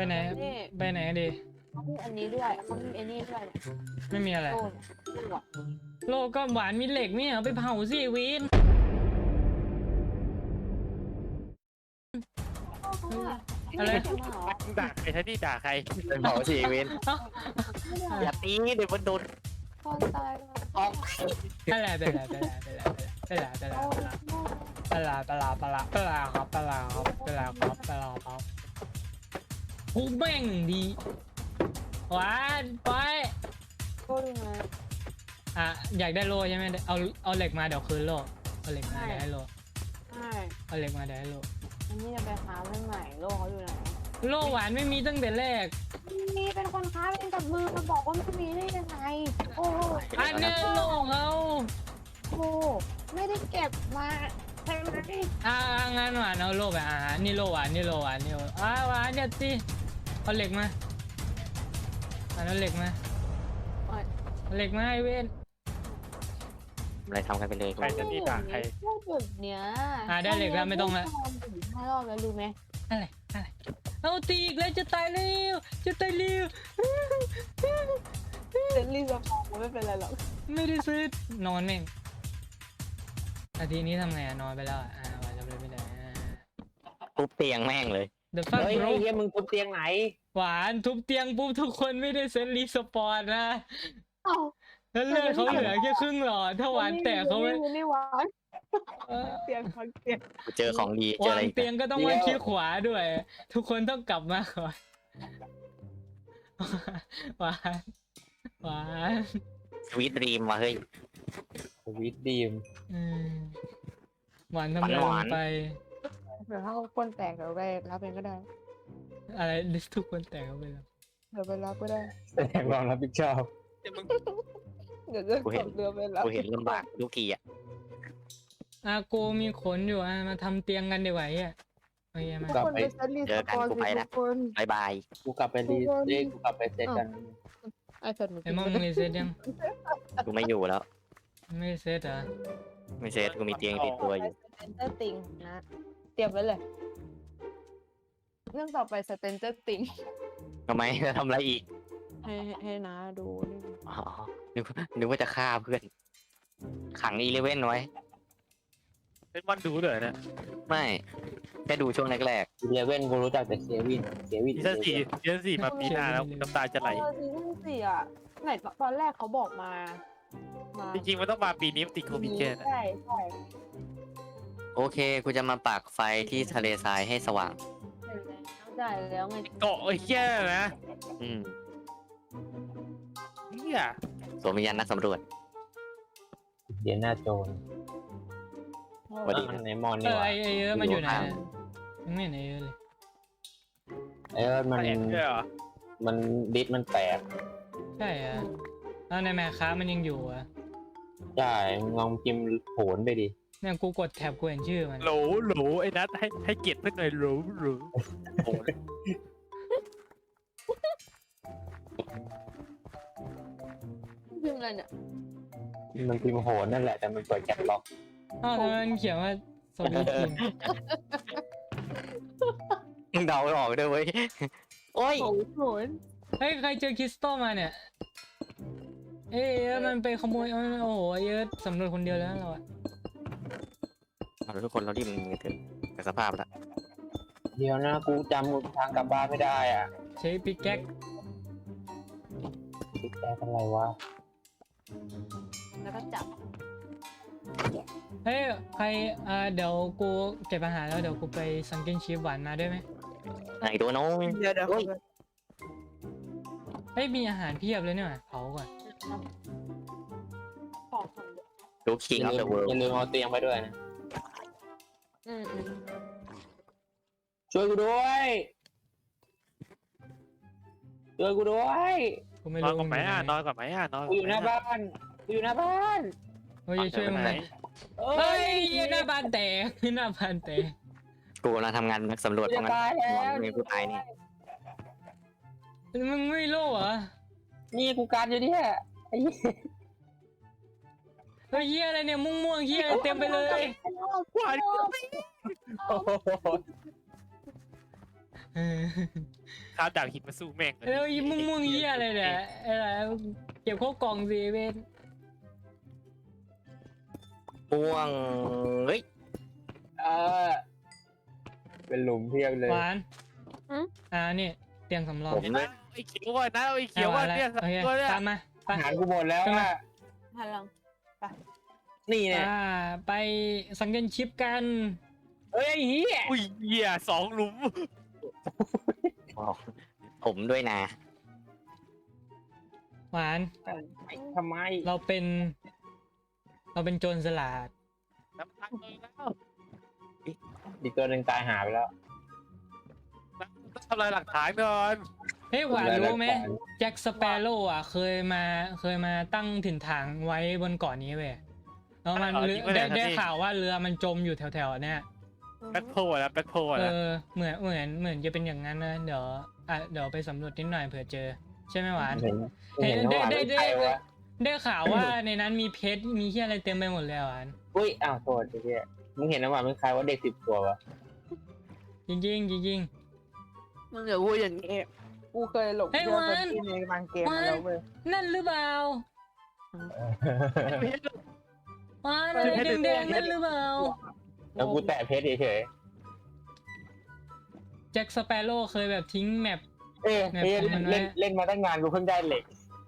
ไหนไปไหนดีเขามีอันนี้ด้วยเขามีอันนี้ด้วยไม่มีอะไรโล่อะโลก็หวานมีเหล็กไม่เหรอไปเผาสิวินอะไรด่าใครท่านี่ด่าใครเป็นเผาชีวิตอย่าตีเดี๋ยวมันโดนคนตายออกอะไรไปละไปละไปละไปละไปละไปละไปละไปละไปละครับไปละครับไปละครับไปละครับกูแม่งดีหวานไปก็ดูนะอ่ะอยากได้โลใช่ไหมเอาเหล็กมาเดี๋ยวคืนโลเอาเหล็กมาเดี๋ยวให้โลใช่เอาเหล็กมาเดี๋ยวให้โลอันนี้จะไปค้าใหม่โลกเขาอยู่ไหนโลหวานไม่มีตั้งแต่แรกมีเป็นคนค้าเป็นกับมือมาบอกว่าไม่มีได้ยังไงโอ้โหอันเนี้ยโลเขาโอ้ไม่ได้เก็บมาใช่ไหมงั้นหวานเอาโลไปนี่โลหวานนี่โลหวานนี่โลหวานอย่าตีเอาเหล็กมาเอาเหล็กมาเอาเหล็กมาไอเวนอะไรทำกันไปเลยใครท่านี่ด่าใครพวกแบบเนี้ยได้เหล็กแล้วไม่ต้องละ 5 รอบแล้วรู้ไหมอะไรเอาตีอีกแล้วจะตายเร็วจะตายเร็วเซนลี่สปองไม่เป็นไรหรอกไม่ได้ซื้อนอนแม่งนาทีนี้ทำไงนอนไปแล้วหวานจำเลยไม่ได้ปุ๊บเตียงแม่งเลย The fuck เฮ้ย bro เฮียมึงทุบเตียงไหนหวานทุบเตียงปุ๊บทุกคนไม่ได้เซนรีสปอนนะเอ้าแล้วเลือดเขาเหลือแค่ครึ่งหลอดถ้าหวานแตกเขาไม่ไม่หวานเตียงพังเตียงกูเจอของดีเจอวาอะไรงอีกเตียงก็ต้องวางขี้ขวาด้วย ทุกคนต้องกลับมาก่อนหวานหวานสวีทดรีมว่ะเฮ้ยสวิตดีมอืมหวานทำอะไรลงไปเดี๋ยวถ้าคนแตกเดี๋ยวไปรับเองก็ได้อะไรทุกคนแตกเขาไปแล้วเดี๋ยวไปรับก็ได้แสดงความรับผิดชอบเดี๋ยวจะขับเรือไปรับกูเห็นลำบากทุกทีอ่ะโกมีขนอยู่มาทำเตียงกันดีกว่าโอเคมาทุกคนไปเซตรีสปอนสิทุกคนบายบายกูกลับไปรีเอ้ยกูกลับไปเซตกันไอแพดหนูไอ้มองรีเซ็ตยังกูไม่อยู่แล้วไม่เซ็ตเหรอไม่เซตกูมีเตียงติดตัวอยู่สเปนเจอร์ติงนะเตรียมไว้เลยเรื่องต่อไปสเปนเจอร์ติงทำไมจะทำอะไรอีกให้นะดูนี่อ๋อนึกว่าจะฆ่าเพื่อน ขังอีเลเว่นไว้เป็นวันดูเลยนะไม่แค่ดูช่วงแรกเลเว่นกูรู้จักแต่เควินซีซั่นสี่มาปีหน้าแล้วน้ำตาจะไหลซีซั่น4อ่ะไหนตอนแรกเขาบอกมาจริงๆมันต้องมาปีนี้ติดโควิดแค่นะใช่ใช่ๆ โอเค กูจะมาปักไฟที่ทะเลทรายให้สว่างได้แล้วไงเกาะไอ้เหี้ยนะอืมเหี้ยสวมวิญญาณนักสำรวจเดียนาโจนสวัสดีในมอนนี่หว่าไอ้เยอะมันอยู่ไหนยังไม่เห็นไอ้เยอะเลยเอ้ยมันแอบด้วยเหรอมันดิสมันแตกใช่แล้วในแมคค้ามันยังอยู่ใช่มึงลองพิมพ์โผนไปดิเนี่ยกูกดแท็บกูเห็นชื่อมันโหลไอ้นัทให้เกียรติเพื่อนหน่อยโหลโอ้ยพิมพ์อะไรเนี่ยมันพิมพ์โหนนั่นแหละแต่มันเปิดแคปล็อกทำไมมันเขียนว่าสวัสดีทีมมึงเดาไม่ออกด้วยเว้ย โอ้ยโหนเฮ้ยใครเจอคริสตัลมาเนี่ยเอ้ยมันไปขโมยโอ้โหเยอะสำรวจคนเดียวแล้วเราเอาละทุกคนเรารีบมันกันเถอะแต่สภาพละเดี๋ยวนะกูจำทางกลับบ้านไม่ได้อ่ะใช้ปิกแก๊กติดแตกอะไรวะแล้วก็จับเฮ้ยใครเดี๋ยวกูเก็บอาหารแล้วเดี๋ยวกูไปซังเกิลชีฟหวานมาด้วยไหมไหนตัวน้องเดี๋ยวโอ้ยเฮ้ยมีอาหารเพียบเลยเนี่ยเผาก่อนของดูคิงออฟเดอะเวิลด์อย่าลืมเอาเตียงไปด้วยนะอืมช่วยกูด้วยช่วยกูด้วยกูไม่นอนรู้ก่อนไหมอ่ะนอนก่อนไหมอ่ะนอนกูอยู่หน้าบ้านกูอยู่หน้าบ้านเฮ้ยช่วยมึงหน่อยเอ้เฮ้ยยหน้าบ้านแตกหน้าบ้านแตกกูกำลังทำงานนักสำรวจกูเพจะราะงั้นตายแล้วมีผู้ตายเนี่ยมึงไม่รู้เหรอนี่กูการอยู่เนี่ยไอ้เหี้ยเฮ้ยเฮียอะไรเนี่ยม่วงๆเฮียเต็มไปเลยควายโอ้โหเออข้าวดาวหินมาสู้แม่งแล้วอีม่วงๆเหี้ยอะไรเนี่ยอะไรเก็บเข้ากล่องสิเวนม่วงเฮ้ยเออเป็นหลุมเพียบเลยหวานนี่เตียงสำรองผมด้วยไอ้เขียวก่อนนะไอ้เขียวก่อนเนี่ยโอเคตัวเนี่ยตามมาไปอาหารกูหมดแล้วขึ้นมาอะพลังนี่เนี่ยไปสังเกตชิปกันเฮ้ยไอ้เหี้ยอุ้ยเหี้ย2 หลุมบอกผมด้วยนะหวานทำไมเราเป็นโจรสลัดน้ำตาลเลยแล้วอีกตัวหนึ่งตายหาไปแล้วต้องทำลายหลักฐานก่อนเฮ้ยหวานรู้ไหมแจ็คสเปโร่อ่ะเคยมาตั้งถิ่นฐานไว้บนเกาะนี้เว้ยแล้วมันได้ข่าวว่าเรือมันจมอยู่แถวๆเนี่ยแบ็คโพลนะแบ็คโพลนะเหมือนจะเป็นอย่างนั้นนะเดี๋ยวไปสำรวจนิดหน่อยเผื่อเจอ ใช่ไหมหวานเห็นว่าเป็นใครวะได้ข่าวว่าในนั้นมีเพชรมีที่อะไรเต็มไปหมดเลยหวานอุ้ยอ้าวโทษไอ้เหี้ยมึงเห็นน้ำหวานเป็นใครว่าเด็ก10 ขวบวะจริงจริงมึงอย่าพูดอย่างนี้กูเคยหลงเชื่อเป็นที่ในบางเกมมาแล้วเว้ยนั่นหรือเปล่าหวานอะไรแดงๆนั่นหรือเปล่าแล้วกูแตะเพชรเฉยแจ็คสเปโร่เคยแบบทิ้งแมปๆเล่นมาตั้งนานกูเพิ่งได้เหล็ก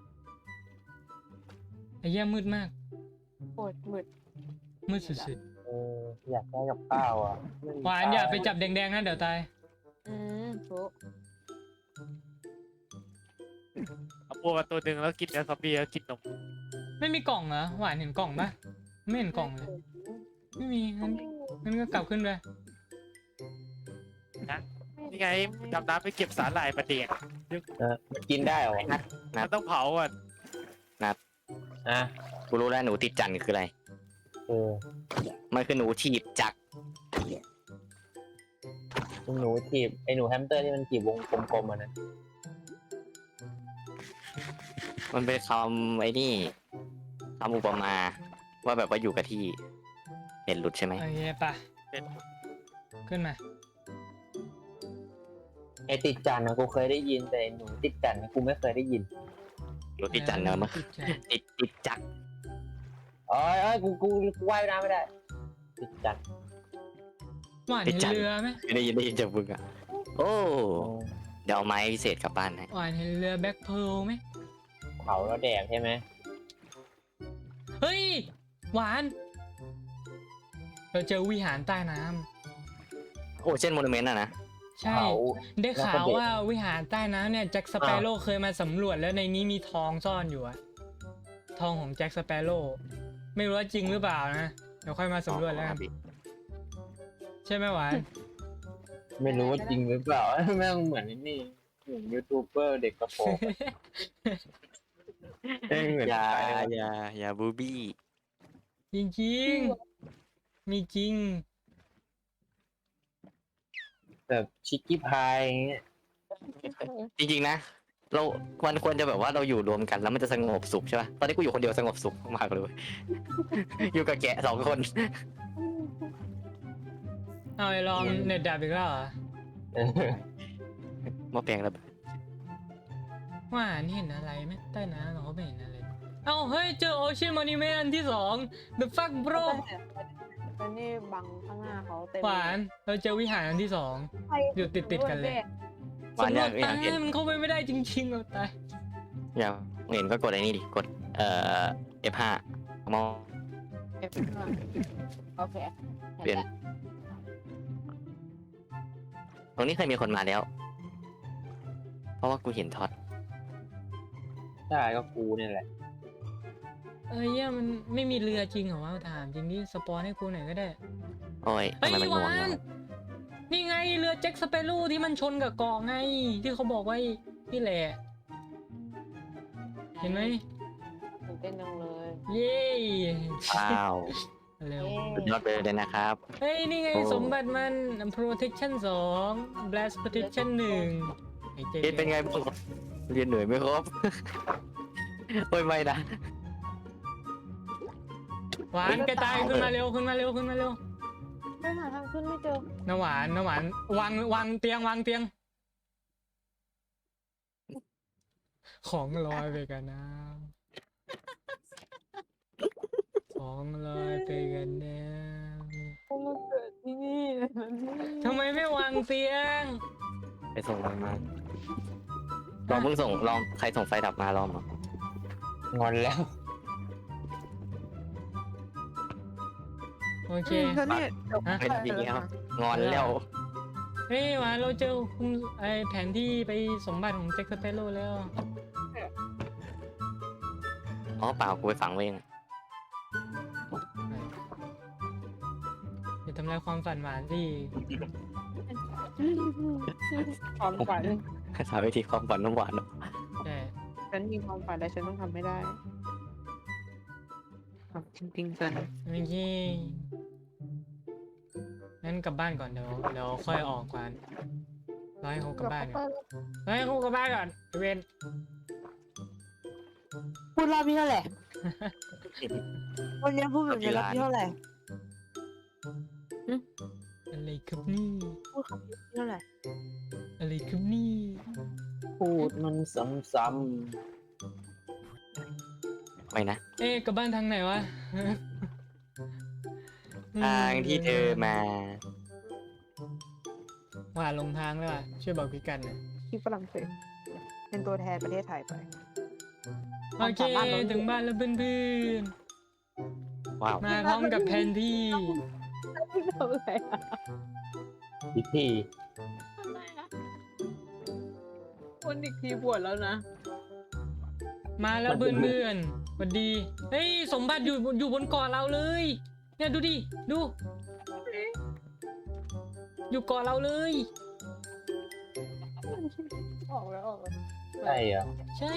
ไอ้เหี้ยมืดมากโคตรมืดมืดสุดอยากได้กับข้าวอ่ะๆหวานอย่าไปจับแดงๆนะเดี๋ยวตายถูกเอาพวกมาตัวหนึ่งแล้วกินแล้วซอมบี้แล้วกินนมไม่มีกล่องเหรอหวานเห็นกล่องปะไม่เห็นกล่องเลยไม่มีงั้นก็กลับขึ้นไปนี่ไงดำน้ำไปเก็บสาหร่ายมาเด็กกินได้เหรอมันต้องเผาอ่ะอ่ะกูรู้แล้วหนูติดจันทร์คืออะไรเออมันคือหนูถีบจักรหนูถีบไอ้หนูแฮมสเตอร์ที่มันถีบวงกลมๆอ่ะนะมันเป็นคำไอ้นี่คำอุปมาว่าแบบว่าอยู่กับที่เห็นหลุดใช่ไหมโอเคปะขึ้นมาไอ้ติดจันทร์นะกูเคยได้ยินแต่ไอ้หนูติดจันทร์กูไม่เคยได้ยินหนูติดจันทร์เนอะมันติดจักรอ๋อกูว่ายน้ำไม่ได้ ติดจันทร์หวานเห็นเรือไหมได้ยินจากมึงอ่ะโอ้เดี๋ยวเอาไม้พิเศษกลับบ้านให้หวานเห็นเรือแบ็คเพร์ลไหมเผาแล้วแดกใช่ไหมเฮ้ยหวานเราเจอวิหารใต้น้ำโอ้เช่นโมนูเมนต์อะนะใช่เผาได้ข่าวว่าวิหารใต้น้ำเนี่ยแจ็คสเปโร่เคยมาสำรวจแล้วในนี้มีทองซ่อนอยู่อะทองของแจ็คสเปโร่ไม่รู้ว่าจริงหรือเปล่านะเดี๋ยวค่อยมาสำรวจแล้วกันใช่ไหมหวานไม่รู้ว่าจริงหรือเปล่า แม่งเหมือนนี่เหมือนยูทูบเบอร์เด็กกระโปรงแม่งเหมือนอย่าบูบี้จริงๆมีจริงแบบชิคกี้พายอย่างเงี้ยจริงๆนะเรามันควรจะแบบว่าเราอยู่รวมกันแล้วมันจะสงบสุขใช่ป่ะตอนนี้กูอยู่คนเดียวสงบสุขมากเลยเว้ย อยู่กับแกะ2 คนเอาไอ้ลองเน็ตดับอีกแล้วเหรอมาแปลงแล้วหวานเห็นอะไรไหมใต้น้ำเราก็ไม่เห็นอะไรเอ้าเฮ้ยเจอโอเชียนมอนิเมนต์อันที่2 The fuck bro แต่นี่บังข้างหน้าเขาเต็มหวานเราเจอวิหารอันที่2อยู่ติดกันเลยหวานสำรอวยาจกเห็นใต้มันเข้าไปไม่ได้จริงๆเราตายอยากเห็นก็กดไอ้นี่ดิกดF5 มองโอเคเปลี่ยนตรงนี้เคยมีคนมาแล้ว เพราะว่ากูเห็นท็อตใช่ก็กูเนี่ยแหละเนี่ยมันไม่มีเรือจริงเหรอวะถามจริงดิสปอนให้กูหน่อยก็ได้โอ้ยเฮ้ทำยไมมันหงงวานวะนี่ไงเรือแจ็คสเปโร่ที่มันชนกับเกาะไง ที่เขาบอกไว้ที่แหละ เห็นไหมตื่นเต้นจังเลยเย้ว้าวเร็วสุดยอดไปเลยนะครับเฮ้ย นี่ไงโอ้สมบัติมัน protection 2 blast protection 1ไอ้เจ๊เอ็นเป็นไงบ้างเรียนเหนื่อยไหมครับ โอ้ยไม่นะหวานกระจายขึ้นมาเร็วขึ้นมาเร็วขึ้นมาเร็วไม่หาทางขึ้นไม่เจอน้ำหวานวางเตียงของลอยไปกับน้ำของลอยไปกับน้พวกมันเกิดที่นี่ำทำไมไม่วางเตียงไปส่งมันมาลองมึงส่งลองใครส่งไฟดับมาลองมางอนแล้วโอเคแล้วเนี่ยฮะเป็นจริงแล้วงอนแล้วเฮ้ยหวานเราเจอคุมไอแผนที่ไปสมบัติของแจ็คสเปโร่แล้วอ๋อเปล่ากูไปฝังไว้เองอย่าทำลายความฝันหวานสิความฝันสาวิธีความฝันน้ำหวานเนอะใช่ฉันมีความฝันแต่ฉันต้องทำไม่ได้จริงๆจันโอเคงั้นกลับบ้านก่อนเดี๋ยวค่อยออกก่อนรอให้เขากลับบ้านก่อนรอให้เขากลับบ้านก่อนเวนพูดรอบที่เท่าไหร่ วันนี้พูดแบบนี้รอบที่เท่าไหร่อะไรครับนี่พูดคำนี้เท่าไหร่อะไรครับนี่พูดมันซ้ำไม่นะเอ๊ะกลับบ้านทางไหนวะทางที่เธอมาว่าลงทางแล้วอ่ะช่วยบอกพี่กันหน่อยที่ฝรั่งเศสเป็นตัวแทนประเทศไทยไปโอเคถึงบ้านแล้วเพื่อนว้าวๆมาพร้อมกับแผนที่ไม่ทำอะไรอะๆพิธีคนอีกทีบวชแล้วนะมาแล้วเพื่อนๆสวัสดีเฮ้ยสมบัติอยู่บนเกาะเราเลยเนี่ยดูดิดูอยู่เกาะเราเลยออกแล้วออกแล้วใช่เหรอใช่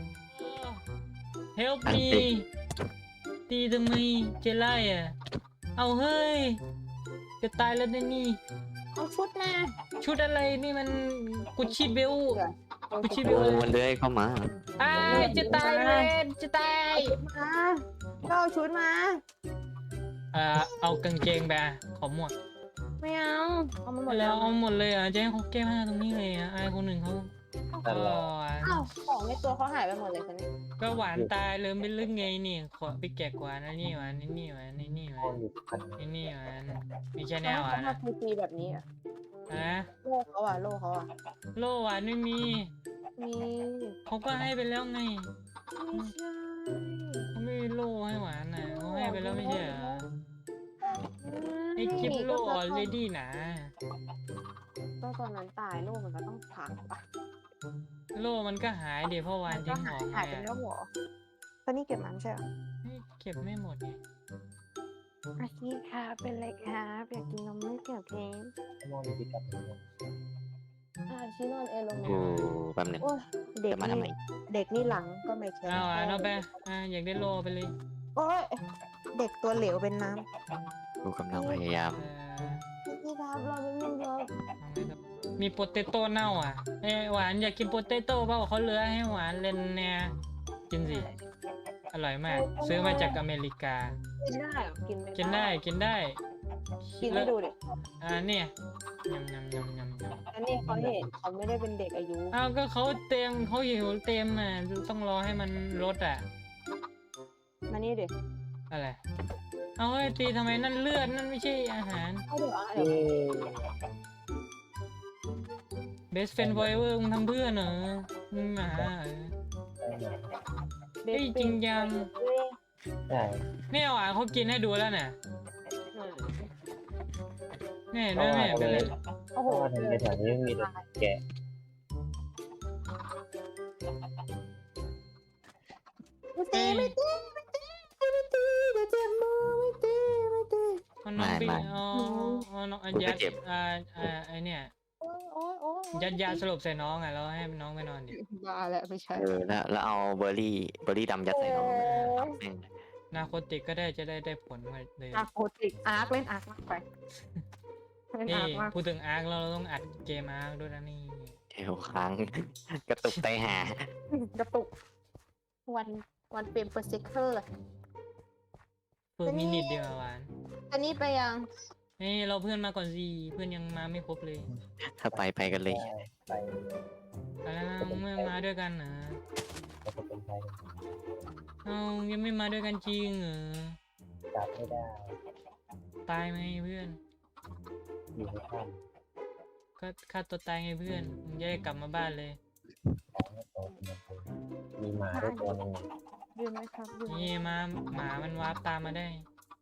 help me ตีทำไมเจไล่อ่ะเอาเฮ้ยจะตายแล้วนะนี่เอาชุดมาชุดอะไรนี่มันกุชชี่เบล กุชชี่เบโอ้ลมันเลื้อยเข้ามาอ้ายจะตายเลยจะตายมาก็เอาชุดมาเอากางเกงไปอ่ะขอหมดไม่เอาเอามาหมดแล้วเอาหมดเลยอ่ะจะให้เขาแก้ผ้าตรงนี้เลยอ่ะอายคนหนึ่งเขานั่นแหละอ้าวของในตัวเขาหายไปหมดเลยคนนี้ก็หวานตายเลยไม่ลึกไงนี่ขอไปแกะกว่านะนี่หวานนี่หวานนี่หวาคน นอยู่กันนี่หวานมีแค่แนวหวานเขานะทำทีแบบนี้อะฮะโลกเขาอะโลกเขาอะโลหวานไม่มีมีเขาก็ให้ไปแล้วไงไม่ใช่เขาไม่มีโลให้หวานน่ะเขาให้ไปแล้วไม่ใช่เหรอไอ้คลิปโลออลเรดี้นะก็ตอนนั้นตายโลกมันก็ต้องพักปะโลมันก็หายเดี๋ยวพ่อวานมันก็ทิ้งหอหายมไปไปแล้วเหรอตอนนี้เก็บมันใช่เหรอเก็บไม่หมดไงอาคีค่ะเป็นไรครับอยากกินนมไม่เกี่ยวเค้กมองอยู่ที่กับชินอนเอลงโอ้แป๊บหนึงโอ้ยเด็กจะมาทำไมนี่เด็กนี่หลังก็ไม่แข็งเอาหวานเอาไปอยากได้โลไปเลยโอ้ยเด็กตัวเหลวเป็นน้กูกำลังพยายามำพี่ครับเราไม่มีเยอะมีโปเตโต้เน่าอ่ะหวานอยากกินโปเตโต้เปล่าเขาเหลือให้หวานเล่นเนี่ยกินสิอร่อยมาก ซื้อมาจากอเมริกากินได้เหรอกินไม่กินได้กินได้กินให้ดูดิเนี่ยยำยำยำยำยำอันนี้เขาเห็นเขาไม่ได้เป็นเด็กอายุเอาก็เขาเต็มเขาหิวเต็มอ่ะต้องรอให้มันลดอ่ะมานี่ดิอะไรเอาไอ้ตีทำไมนั่นเลือดนั่นไม่ใช่อาหารเอาเดี๋ยวเอ้ย best friend forever มึงทำเพื่อนเหรอมึงหมาเหรอ เฮ้ยจริงจังใช่เนี่ยหวานเขากินให้ดูแล้วน่ะเนี่ยเพราะนั่นว่าเนี่ยเป็นไรโอ้เพโหราะว่าทำไมแถวนี้มีแต่แกะไม่ตีไม่ตีไม่ตีเดี๋ยวเจ็บมือไม่ตีไม่ตีเอาน้องไปไม่เอาน้องยัดเจ็บไอเนี่ยโอ้ยโอ้ยโอ้ยยัดยาสลบใส่น้องอ่ะแล้วให้น้องไปนอนดิบ้าแล้วไม่ใช่แล้วเอาเบอร์รี่ดำยัดใส่ลงแม่งนาโคติกก็จะได้ผลมาเลยอาร์โคติกอาร์คเล่นอาร์คมากไปเล่นนี่อาร์คมากพูดถึงอาร์คเราต้องอัดเกมอาร์คด้วยนะนี่เดี๋ยวค้างกระตุกไตหากระตุกวันเปลี่ยนเปอร์เซกเตอร์เปิดมินิทเดียวอะหวานอันนี้ไปยังเฮ้ยเราเพื่อนมาก่อนสิเพื่อนยังมาไม่ครบเลยถ้าไปกันเลยไปไปแล้วนะมึงไม่มาด้วยกันเหรอก็จะเป็นไปเอ้ายังไม่มาด้วยกันจริงเหรอจับไม่ได้ตายไหมเพื่อนอยู่ในถ้ก็ฆ่าตัวตายไงเพื่อนมึงจะได้กลับมาบ้านเลยำของไม่โตเป็นยังไงมีหมาด้วยตัวหนึงยืนไหมครับยืนไหมนี่มาหมามันวาร์ปตามมาได้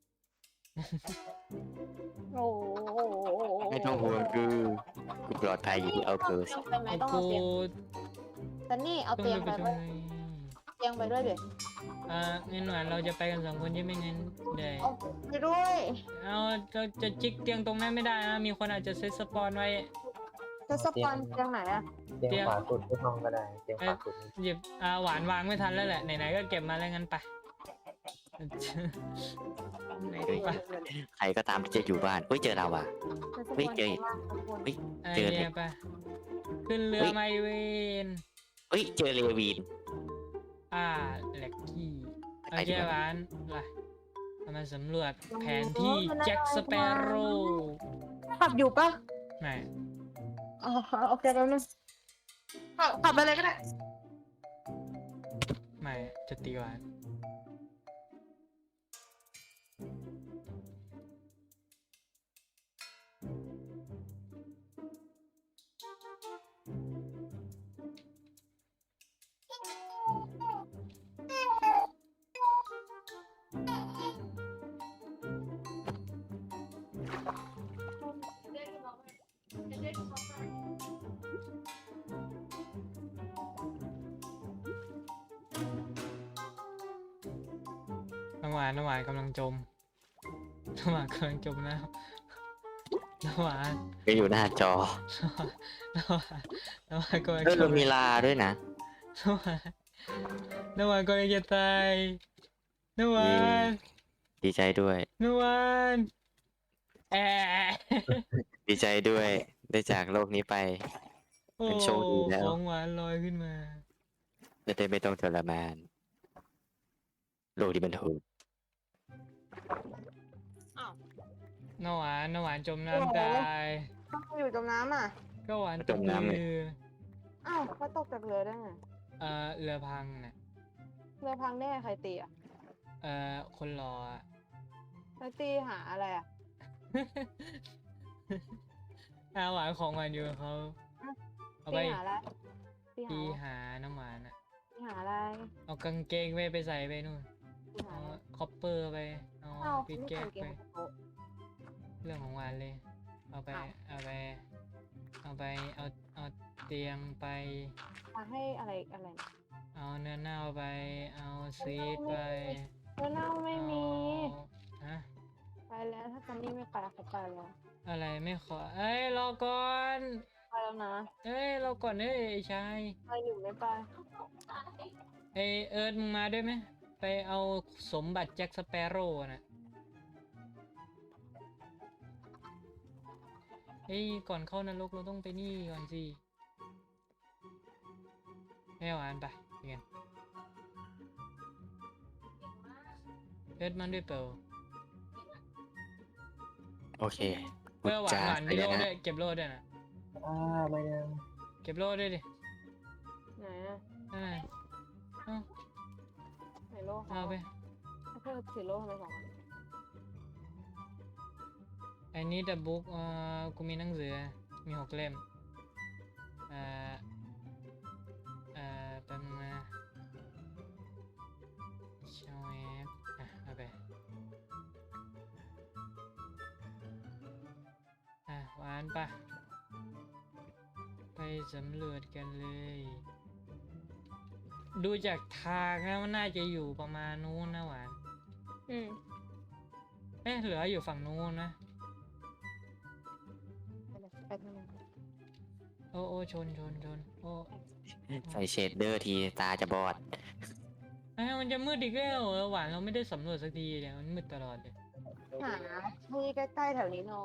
โอ้โหไม่ต้องห่วงกูปลอดภัยอยู่ที่เอาเกิร์สไปไหมต้องกูเอาเตียงแต่นี่เอาต้องเตียงไปไปประชุด้มวยเลยเตียงไปด้วยเดี๋ยวงั้นหวานเราจะไปกัน2 คนใช่ไหมงั้นเดี๋ยวเอาไปด้วยเอาเราจะจิกเตียงตรงนั้นไม่ได้นะมีคนอาจจะเซตสปอนไว้จะสปอนเตียงไหนอะเตียงขวาสุดที่ห้องก็ได้เตียงขวาสุดนี่หยิบหวานวางไม่ทันแล้วแหละไหนๆก็เก็บมาแล้วงั้นไปไหนดีปะใครก็ตามที่จะอยู่บ้านเฮ้ยเจอเราว่ะจะสปเฮ้ยอนเจอข้างล่างข้างบนเฮ้ยไอเจอเดียไปขึ้นเรือไมเวนเฮ้ยเจอเลวีนแหลกกี้โอไปเคดีกว่าหวานล่ะเรามาสำรวจแผนที่แจ็คสเปโร่ขับอยู่ปะไหนอ๋อโอเคแล้วนึงขับไปเลยก็ได้ไม่จะตีหวาน น้ำหวานกำลังจมน้ำหวานกำลังจมน้ำน้ำหวานก็อยู่หน้าจอน้ำหวานน้ำหวานกำลังเฮ้ยจเรามมีลาด้วยนะน้ำหวานกำลังจะตายน้ำหวานดีใจด้วยน้ำหวานแอะดีใจด้วยได้จากโลกนี้ไปโอ้เป็นโชคดีแล้วของหวานลอยขึ้นมาจะได้ไม่ต้องทรมานโลกที่มันโหดน้ำหวานจมน้ำตายต้องอยู่จมน้ำอ่ะก็หวานตกเรืออ้าวเขาตกจากเรือได้ไงเรือพังน่ะเรือพังได้ไงใครตีอ่ะคนรออะแล้วตีหาอะไรอ่ะหวานของหวานอยู่กับเขาเอาไปตีหาอะไรตีตีหาหาน้ำหวานอ่ะตีหาอะไรเอากางเกงไปใส่ไปนู่นตีหาเอาอะไรคอปเปอร์ไปเอาเอ้าปิกไม่แก๊ใส่กเกไปงโต๊ะเรื่องของหวานเลย เอาไปอ้าวเอาเตียงไปมาให้อะไรอะไรเอาเนื้อเน่าไป เอาซีดไปเนื้อเน่าไม่มีฮะไปแล้วถ้าซันนี่ไม่ไปเขาไปแล้วอะไรไม่ขอ เอ้ยรอก่อนไปแล้วนะเอ้ยรอก่อนเอ้ยไอ้ชายไปหรือไม่ไปไอเอิร์ธมึงมาด้วยไหมไปเอาสมบัติแจ็คสเปโร่น่ะเฮ้ยก่อนเข้านรกเราต้องไปนี่ก่อนสิให้หวานไปเรียนเอิร์ธมันด้วยเปล่าโอเคเออหวานหวานไปมีเลโล่ยนะด้วยเก็บโล่ด้วยนะไม่นะเก็บโล่ด้วยดิไหนอะนั่นน่ะเอาไหนโลกเอาไปเพื่อถือโลกทำไมสองอันไอ้นี่แต่บุ๊กกูมีหนังสือมี6 เล่มแป๊บนึงนะชาวแอปเอาไปหวานปะไปสำรวจกันเลย ดูจากทางแล้วมันน่าจะอยู่ประมาณนู้นนะหวานอืมเหลืออยู่ฝั่งนู้นนะไปเลยไปทางนั้นโอ้ชนโอ้ใส่เชดเดอร์ทีตาจะบอดมันจะมืดอีกแล้วเหรอหวานเราไม่ได้สำรวจสักทีเลยมันมืดตลอดเลยหาที่ใกล้ๆแถวนี้น้อย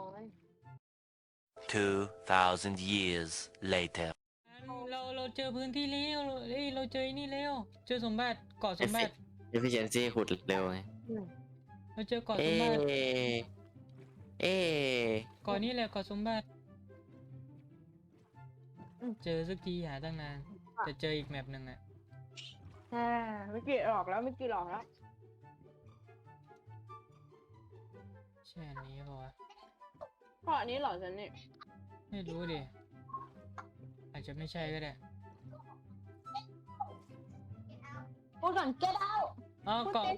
2,000 years later. เราเจอพื้นที่แล้วเราเจอไอ้นี่แล้วเจอสมบัติเกาะสมบัติ efficiency ขุดเร็วไงเราเจอเกาะสเอ๊มบัติเอ๊ะก่อนนี้แหละก่อนสมบัติเจอสักทีหาตั้งนานจะเจออีกแมปหนึ่งอะไม่กี่หลอกแล้วไม่กี่หลอกแล้วใช่อันนี้ป่าวะเพราะอันนี้เหรอฉันนี่ไม่รู้ดิอาจจะไม่ใช่ก็ได้พูดก่อน get out อ๋อเกาะ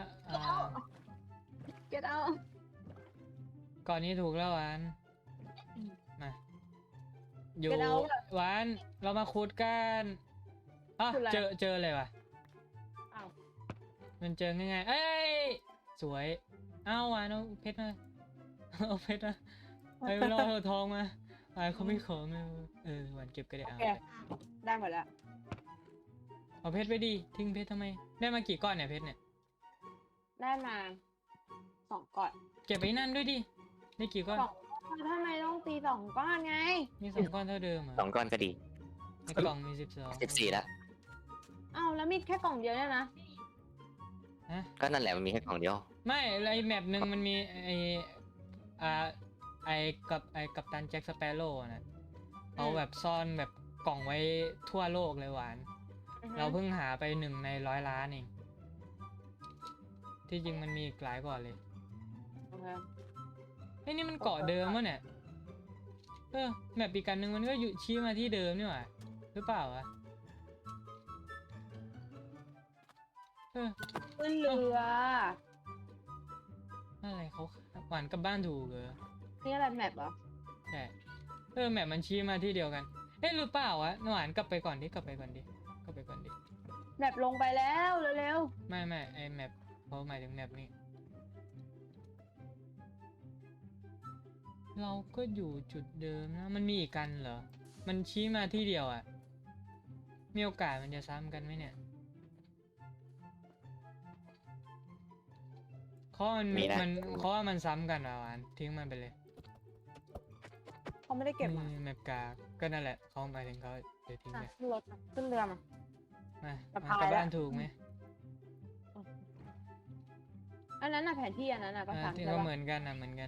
get out เกาะนี้ถูกแล้วหวานมาอยู่ Get out หวานเรามาขุดกันอ๋อขุดอะไรเจอเลยว่ะอ้าวมันเจอง่ายๆเอ้ยสวยเอาหวานเอาเพชรมาเอาเพชรมาไอ้เราเอาทองมาหวานเขาไม่ขอมาหวานเก็บก็ได้โอเอาเคได้หมดแล้วเอาเพชรไปดิทิ้งเพชรทำไมได้มากี่ก้อนเนี่ยเพชรเนี่ยได้มา2ก้อนเก็บไปนั่นด้วยดิได้กี่ก้อนสองทำไมต้องตี2ก้อนไงมี2 ก้อนเท่าเดิมเหรอ 2 ก้อนก็ดีในกล่องมี12 14แล้วอ้าวแล้วมีแค่กล่องเดียวเนี่ยนะฮะก็นั่นแหละมันมีแค่กล่องเดียวไม่ไอแมปหนึ่งมันมีอ่ากัปตันแจ็คสเปโร่นะเอาแบบซ่อนแบบกล่องไว้ทั่วโลกเลยหวาน เราเพิ่งหาไป1 ใน 100 ล้านเองที่จริงมันมีอีกหลายก่อนเลยโอเคไอ้นี่มันเกาะเดิมวะเนี่ยแมปอีกกันหนึ่งมันก็อยู่ชี้มาที่เดิมนี่หว่าหรือเปล่าวะขึ้นเรืออะไรเขาหวานกลับบ้านถูกเหรอนี่อะไรแมปเหรอใช่แมปมันชี้มาที่เดียวกันหรือเปล่าวะหวานกลับไปก่อนดิกลับไปก่อนดิแมปลงไปแล้วเร็วไม่ไอแมปเขาหมายถึงแมปนี้เราก็อยู่จุดเดิมนะมันมีอีกกันเหรอมันชี้มาที่เดียวอ่ะมีโอกาสมันจะซ้ำกันไหมเนี่ยเขามันมีนะเขาว่ามันซ้ำกันอ่ะหวานทิ้งมันไปเลยๆเขาไม่ได้เก็บมาแมปกากก็นั่นแหละเขาหมายถึงเขาเดี๋ยวทิ้งอ่ะไปขึ้นรถมาขึ้นเรือมามาสะมาพายกลับแล้วบ้านถูกไหมอันนั้นน่ะแผนที่อันนั้นน่ะก็ถามที่ใช่ก็ปะเหมือนกันเหมือนกัน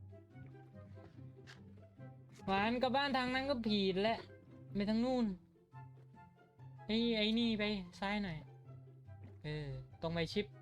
หวานกลับบ้านทางนั้นก็ผิดแล้วไปทางนู่นไอ้นี่ไปซ้ายหน่อยตรงไปชิป